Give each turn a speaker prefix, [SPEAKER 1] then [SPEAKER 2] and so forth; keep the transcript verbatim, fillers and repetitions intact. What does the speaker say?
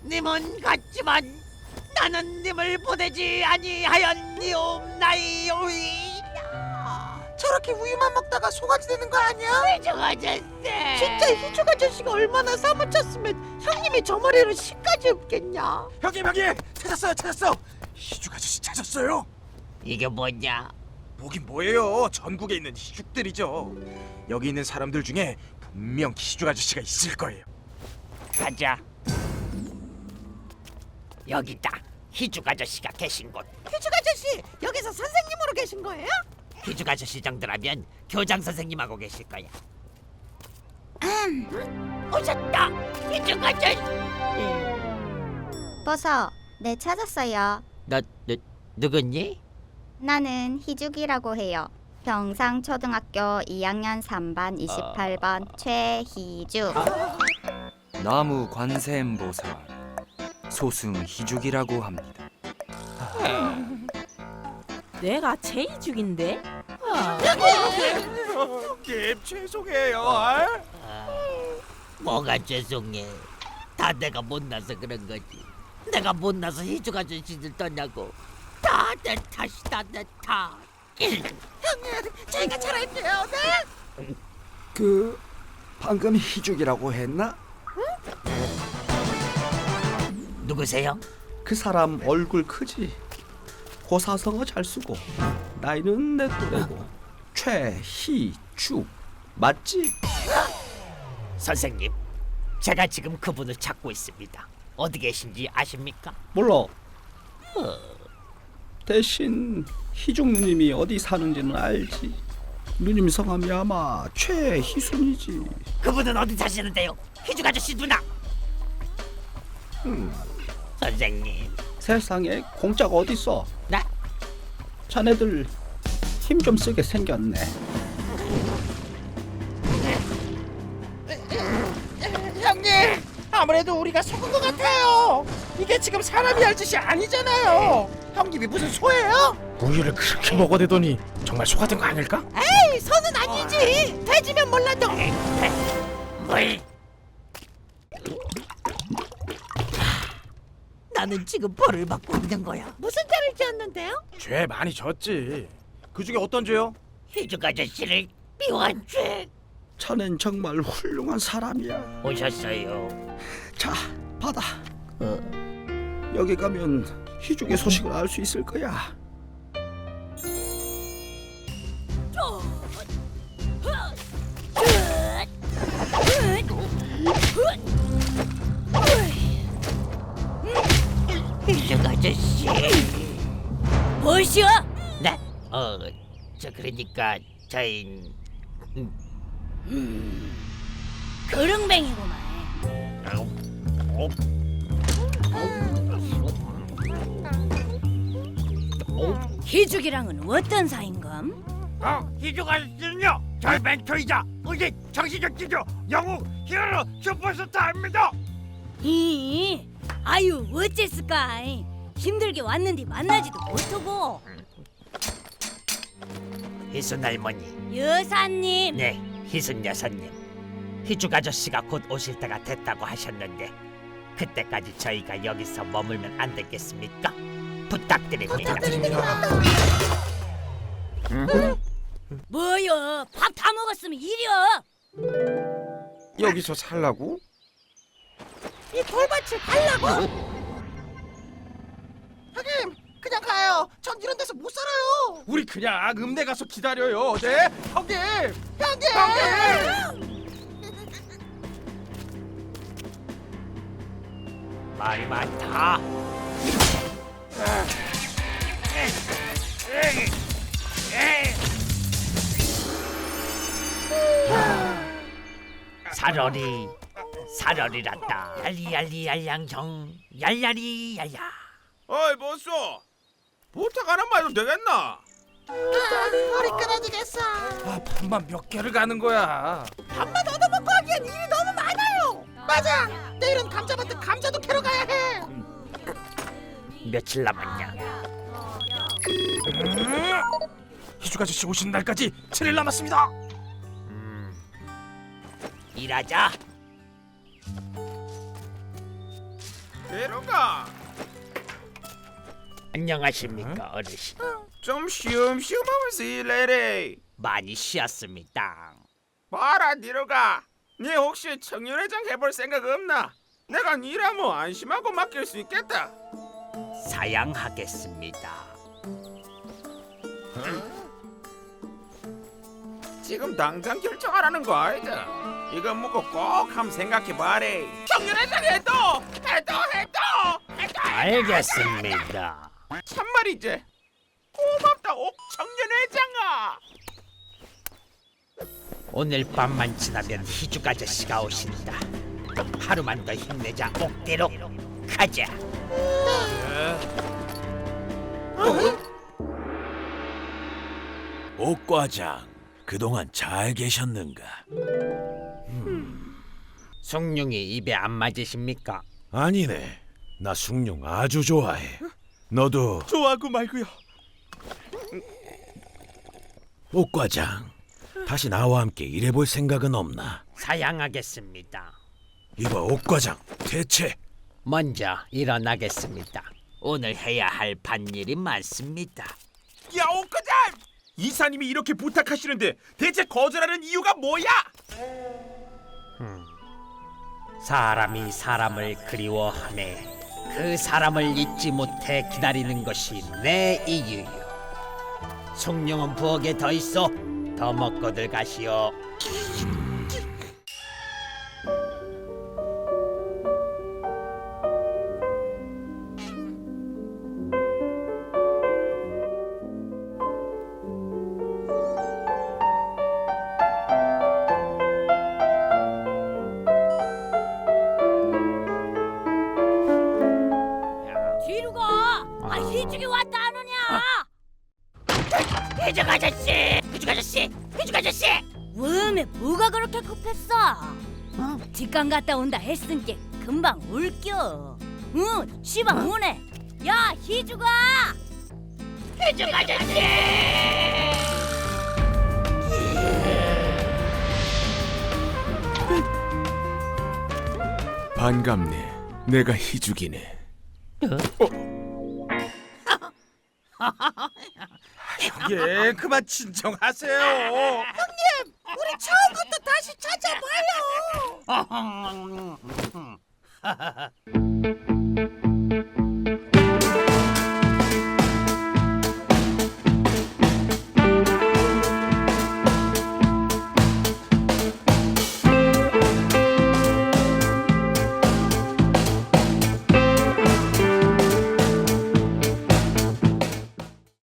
[SPEAKER 1] 님은 같지만 나는 님을 보내지 아니하였니옵나이오이.
[SPEAKER 2] 저렇게 우유만 먹다가 소가지 되는 거 아니야?
[SPEAKER 1] 희죽 아저씨.
[SPEAKER 2] 진짜 희죽 아저씨가 얼마나 사무쳤으면 형님이 저 머리로 씨까지 없겠냐?
[SPEAKER 3] 형님 형님 찾았어요 찾았어. 희죽 아저씨 찾았어요.
[SPEAKER 1] 이게 뭐냐?
[SPEAKER 3] 뭐긴 뭐예요. 전국에 있는 희죽들이죠. 여기 있는 사람들 중에 분명 희죽 아저씨가 있을 거예요.
[SPEAKER 1] 가자. 여기다. 희죽 아저씨가 계신 곳.
[SPEAKER 2] 희죽 아저씨 여기서 선생님으로 계신 거예요?
[SPEAKER 1] 희죽 아저씨 정도라면 교장 선생님하고 계실 거야. 오셨다. 희죽 아저씨.
[SPEAKER 4] 버섯, 네 찾았어요.
[SPEAKER 1] 너, 너 누구니?
[SPEAKER 4] 나는 희죽이라고 해요. 경상초등학교 이 학년 삼 반 이십팔 번 최희죽.
[SPEAKER 5] 나무 관세음보살 소승 희죽이라고 합니다.
[SPEAKER 6] 내가 최희죽인데?
[SPEAKER 3] 형님 죄송해요. 아?
[SPEAKER 1] 뭐가 죄송해. 다 내가 못나서 그런 거지. 내가 못나서 희죽 아저씨들 떠냐고. 다 내 탓이다 내 탓.
[SPEAKER 2] 저희가 잘할게요. 네.
[SPEAKER 7] 그 방금 희죽이라고 했나?
[SPEAKER 1] 누구세요?
[SPEAKER 7] 그 사람 얼굴 크지? 고사성어 잘 쓰고 나이는 내 또래고 최희죽 맞지?
[SPEAKER 1] 선생님, 제가 지금 그분을 찾고 있습니다. 어디 계신지 아십니까?
[SPEAKER 7] 몰라. 대신 희죽 누님이 어디 사는지는 알지. 누님 성함이 아마 최희순이지.
[SPEAKER 1] 그분은 어디 사시는데요? 희죽 아저씨 누나.
[SPEAKER 7] 음,
[SPEAKER 1] 선생님,
[SPEAKER 7] 세상에 공짜가 어딨어.
[SPEAKER 1] 나
[SPEAKER 7] 자네들 힘 좀 쓰게 생겼네.
[SPEAKER 2] 형님 아무래도 우리가 속은 것 같아요. 이게 지금 사람이 할 짓이 아니잖아요. 형님이 무슨 소예요?
[SPEAKER 3] 우유를 그렇게 먹어대더니 정말 소 같은 거 아닐까?
[SPEAKER 2] 에이 소는 아니지. 돼지면 몰라도.
[SPEAKER 1] 뭘? 나는 지금 벌을 받고 있는 거야.
[SPEAKER 2] 무슨 죄를 지었는데요?
[SPEAKER 3] 죄 많이 졌지. 그 중에 어떤 죄요?
[SPEAKER 1] 희죽 아저씨를 미워한 죄.
[SPEAKER 7] 자넨 정말 훌륭한 사람이야.
[SPEAKER 1] 오셨어요.
[SPEAKER 7] 자, 받아. 여기 가면 희죽의 소식을 알 수 있을 거야.
[SPEAKER 1] 희죽 아저씨.
[SPEAKER 6] 무엇이여?
[SPEAKER 1] 네? 어, 저 그러니까 저희
[SPEAKER 6] 그릉뱅이구만. 희죽이랑은 어떤 사이인감?
[SPEAKER 1] 어, 희죽 아저씨는요, 저희 멘토이자 우리 정신적 지주 영웅 히어로 슈퍼스타입니다.
[SPEAKER 6] 이 아유 어쨌을까? 힘들게 왔는데 만나지도 못하고.
[SPEAKER 1] 희순 할머니.
[SPEAKER 6] 여사님.
[SPEAKER 1] 네, 희순 여사님. 희죽 아저씨가 곧 오실 때가 됐다고 하셨는데 그때까지 저희가 여기서 머물면 안 되겠습니까? 부탁드립니다.
[SPEAKER 6] 뭐여? 밥 다 먹었으면 이리여.
[SPEAKER 3] 여기서 살라고?
[SPEAKER 2] 이 돌밭을 갈라고? 형님 그냥 가요. 전 이런 데서 못 살아요.
[SPEAKER 3] 우리 그냥 읍내 가서 기다려요. 네? 형님!
[SPEAKER 2] 형님.
[SPEAKER 1] 말이 많다. 사러리 사러리란다. 얄리얄리 얄량정 얄야리 얄야.
[SPEAKER 3] 어이 보소. 부탁 하나만 해도 되겠나?
[SPEAKER 2] 머리 끊어지겠어.
[SPEAKER 3] 아 밥만 몇 개를 가는 거야.
[SPEAKER 2] 밥만 얻어먹고 하기엔 일이 너무 많아요. 맞아. 내일은 감자밭에 감자도 캐러 가야 해.
[SPEAKER 1] 며칠 남았냐?
[SPEAKER 3] 희죽 아저씨 오시는 날까지 칠 일 남았습니다.
[SPEAKER 1] 음, 일하자.
[SPEAKER 3] 내려가.
[SPEAKER 1] 안녕하십니까 어르신.
[SPEAKER 3] 좀 쉬엄쉬엄하면서 일해래.
[SPEAKER 1] 많이 쉬었습니다.
[SPEAKER 3] 봐라 내려가. 네 혹시 청년회장 해볼 생각 없나? 내가 니라면 안심하고 맡길 수 있겠다.
[SPEAKER 1] 사양하겠습니다.
[SPEAKER 3] 지금 당장 결정하라는 거 아니다. 이거 먹고 꼭 한번 생각해봐래. 청년회장 해도 해도 해도 해도.
[SPEAKER 1] 알겠습니다.
[SPEAKER 3] 참말이지. 고맙다 옥 청년회장아.
[SPEAKER 1] 오늘 밤만 지나면 희죽 아저씨가 오신다. 하루만 더 힘내자. 옥대로 가자.
[SPEAKER 8] 옥과장, 그동안 잘 계셨는가?
[SPEAKER 1] 숭늉이 입에 안 맞으십니까?
[SPEAKER 8] 아니네, 나 숭늉 아주 좋아해. 너도
[SPEAKER 3] 좋아하고 말고요.
[SPEAKER 8] 옥과장, 다시 나와 함께 일해볼 생각은 없나?
[SPEAKER 1] 사양하겠습니다.
[SPEAKER 8] 이봐 옥과장, 대체
[SPEAKER 1] 먼저 일어나겠습니다. 오늘 해야 할 밭일이 많습니다.
[SPEAKER 3] 야 옥과장! 이사님이 이렇게 부탁하시는데 대체 거절하는 이유가 뭐야?
[SPEAKER 1] 사람이 사람을 그리워하네. 그 사람을 잊지 못해 기다리는 것이 내 이유요. 숭늉은 부엌에 더 있어. 더 먹고들 가시오.
[SPEAKER 6] 뒤로 가. 아 희죽이 왔다 안 오냐?
[SPEAKER 1] 희죽 아저씨! 희죽 아저씨! 희죽 아저씨!
[SPEAKER 6] 웜에 뭐가 그렇게 급했어? 어? 뒷강 갔다 온다 했으니까 금방 올겨. 응, 시방 오네. 야 희죽아.
[SPEAKER 1] 희죽 아저씨!
[SPEAKER 8] 반갑네. 내가 희죽이네.
[SPEAKER 3] 예, 그만 진정하세요.
[SPEAKER 2] 우리 처음부터 다시 찾아봐요.
[SPEAKER 1] 음.